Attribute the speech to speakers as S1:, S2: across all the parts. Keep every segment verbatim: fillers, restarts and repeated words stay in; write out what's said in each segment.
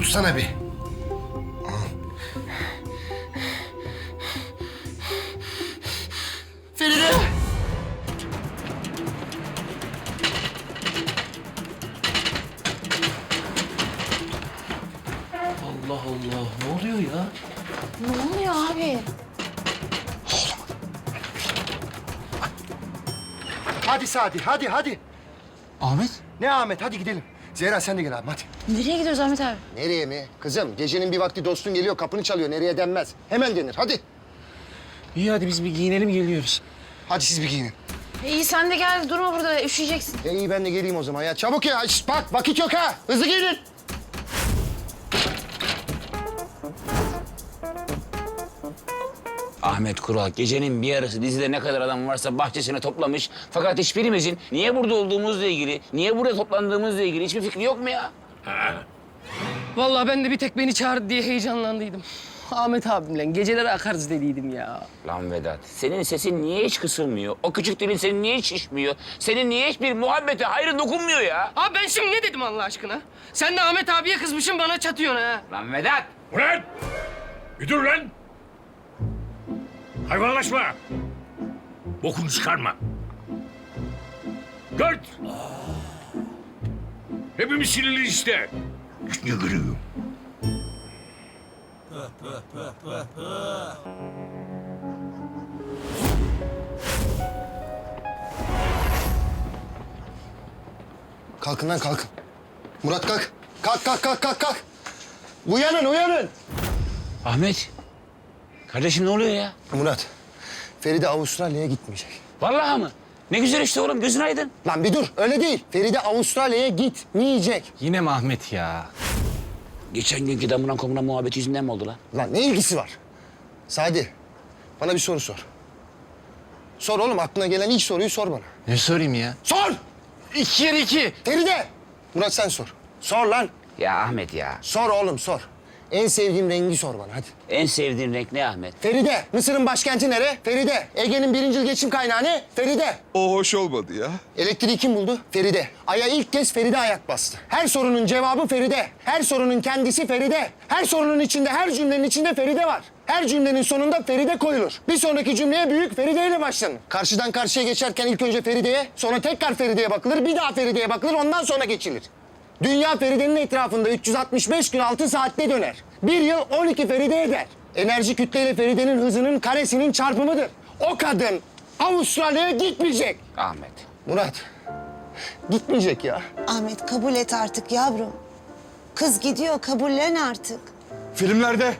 S1: tutsana bir. Feride!
S2: Allah Allah, ne oluyor ya?
S3: Ne oluyor abi?
S1: Hadi Sadi, hadi hadi.
S2: Ahmet?
S1: Ne Ahmet, hadi gidelim. Zehra sen de gel abi, hadi.
S3: Nereye gidiyoruz Ahmet abi?
S1: Nereye mi? Kızım, gecenin bir vakti dostun geliyor, kapını çalıyor. Nereye denmez. Hemen denir, hadi.
S2: İyi hadi biz bir giyinelim geliyoruz.
S1: Hadi siz bir giyinin.
S3: İyi sen de gel durma burada üşüyeceksin.
S1: E iyi ben de geleyim o zaman ya. Çabuk ya, şişt, bak vakit yok ha. Hızlı giyinin.
S4: Ahmet Kural gecenin bir yarısı dizide ne kadar adam varsa bahçesine toplamış. Fakat hiçbirimizin niye burada olduğumuzla ilgili, niye burada toplandığımızla ilgili hiçbir fikri yok mu ya?
S5: Vallahi ben de bir tek beni çağırdı diye heyecanlandıydım. Ahmet abimle geceleri akarız dediydim ya.
S4: Lan Vedat, senin sesin niye hiç kısılmıyor? O küçük dilin senin niye hiç şişmiyor? Senin niye hiçbir muhabbete hayrı dokunmuyor ya?
S5: Abi ben şimdi ne dedim Allah aşkına? Sen de Ahmet abiye kızmışsın bana çatıyorsun ha.
S4: Lan Vedat!
S6: Ulan! Bir dur lan! Hayvanlaşma! Bokunu çıkarma. Dört! Hepimiz sinirli işte. Ne görüyorum?
S1: Kalkın lan kalkın. Murat kalk. Kalk kalk kalk kalk kalk. Uyanın uyanın.
S4: Ahmet, kardeşim ne oluyor ya?
S1: Murat, Feride Avustralya'ya gitmeyecek.
S4: Vallahi mı? Ne güzel işte oğlum, gözün aydın.
S1: Lan bir dur, öyle değil. Feride Avustralya'ya gitmeyecek.
S2: Yine mi Ahmet ya?
S4: Geçen günkü damından komunan muhabbeti yüzünden mi oldu lan?
S1: Lan ne ilgisi var? Sadi, bana bir soru sor. Sor oğlum, aklına gelen ilk soruyu sor bana.
S2: Ne sorayım ya?
S1: Sor!
S2: İki kere iki.
S1: Feride! Murat sen sor. Sor lan.
S4: Ya Ahmet ya,
S1: Sor oğlum sor. En sevdiğim rengi sor bana hadi.
S4: en sevdiğin renk ne Ahmet?
S1: Feride, Mısır'ın başkenti nere? Feride. Ege'nin birincil geçim kaynağı ne? Feride.
S7: O hoş olmadı ya.
S1: Elektriği kim buldu? Feride. Ay'a ilk kez Feride ayak bastı. Her sorunun cevabı Feride. Her sorunun kendisi Feride. Her sorunun içinde, her cümlenin içinde Feride var. Her cümlenin sonunda Feride koyulur. Bir sonraki cümleye büyük Feride ile başlanır. Karşıdan karşıya geçerken ilk önce Feride'ye, sonra tekrar Feride'ye bakılır, bir daha Feride'ye bakılır, ondan sonra geçilir. Dünya Feride'nin etrafında üç yüz altmış beş gün altı saatte döner. Bir yıl on iki Feride eder. Enerji kütleyle Feride'nin hızının karesinin çarpımıdır. O kadın Avustralya'ya gitmeyecek.
S4: Ahmet.
S1: Murat, gitmeyecek ya.
S8: Ahmet kabul et artık yavrum. Kız gidiyor, kabullen artık.
S7: Filmlerde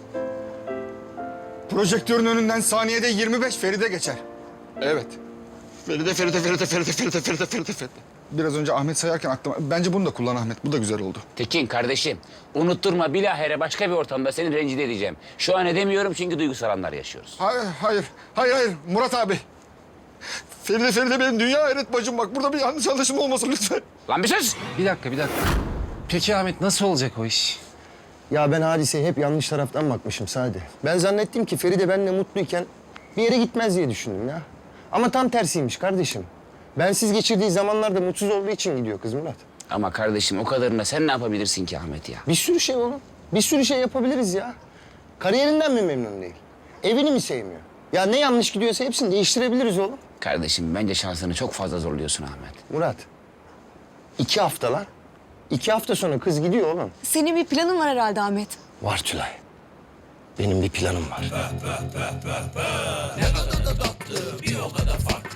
S7: projektörün önünden saniyede yirmi beş Feride geçer. Evet. Feride, Feride, Feride, Feride, Feride, Feride, Feride, Feride. Biraz önce Ahmet sayarken aklıma... Bence bunu da kullan Ahmet. Bu da güzel oldu.
S4: Tekin kardeşim, unutturma bilahare başka bir ortamda seni rencide edeceğim. Şu an edemiyorum çünkü duygusal anlar yaşıyoruz.
S7: Hayır, hayır. Hayır, hayır. Murat abi. Feride, Feride benim dünya hayret bacım. Bak burada bir yanlış anlaşılma olmasın lütfen.
S4: Lan bir sus!
S2: Bir dakika bir dakika. Peki Ahmet nasıl olacak o iş?
S1: Ya ben hadiseye hep yanlış taraftan bakmışım Sadi. Ben zannettim ki Feride benimle mutluyken bir yere gitmez diye düşündüm ya. Ama tam tersiymiş kardeşim. Bensiz geçirdiği zamanlarda mutsuz olduğu için gidiyor kız Murat.
S4: Ama kardeşim o kadarına sen ne yapabilirsin ki Ahmet ya?
S1: Bir sürü şey oğlum. Bir sürü şey yapabiliriz ya. Kariyerinden mi memnun değil? Evini mi sevmiyor? Ya ne yanlış gidiyorsa hepsini değiştirebiliriz oğlum.
S4: Kardeşim bence şansını çok fazla zorluyorsun Ahmet.
S1: Murat, iki hafta lan. İki hafta sonra kız gidiyor oğlum.
S8: Senin bir planın var herhalde Ahmet.
S1: Var Tülay. Benim bir planım var.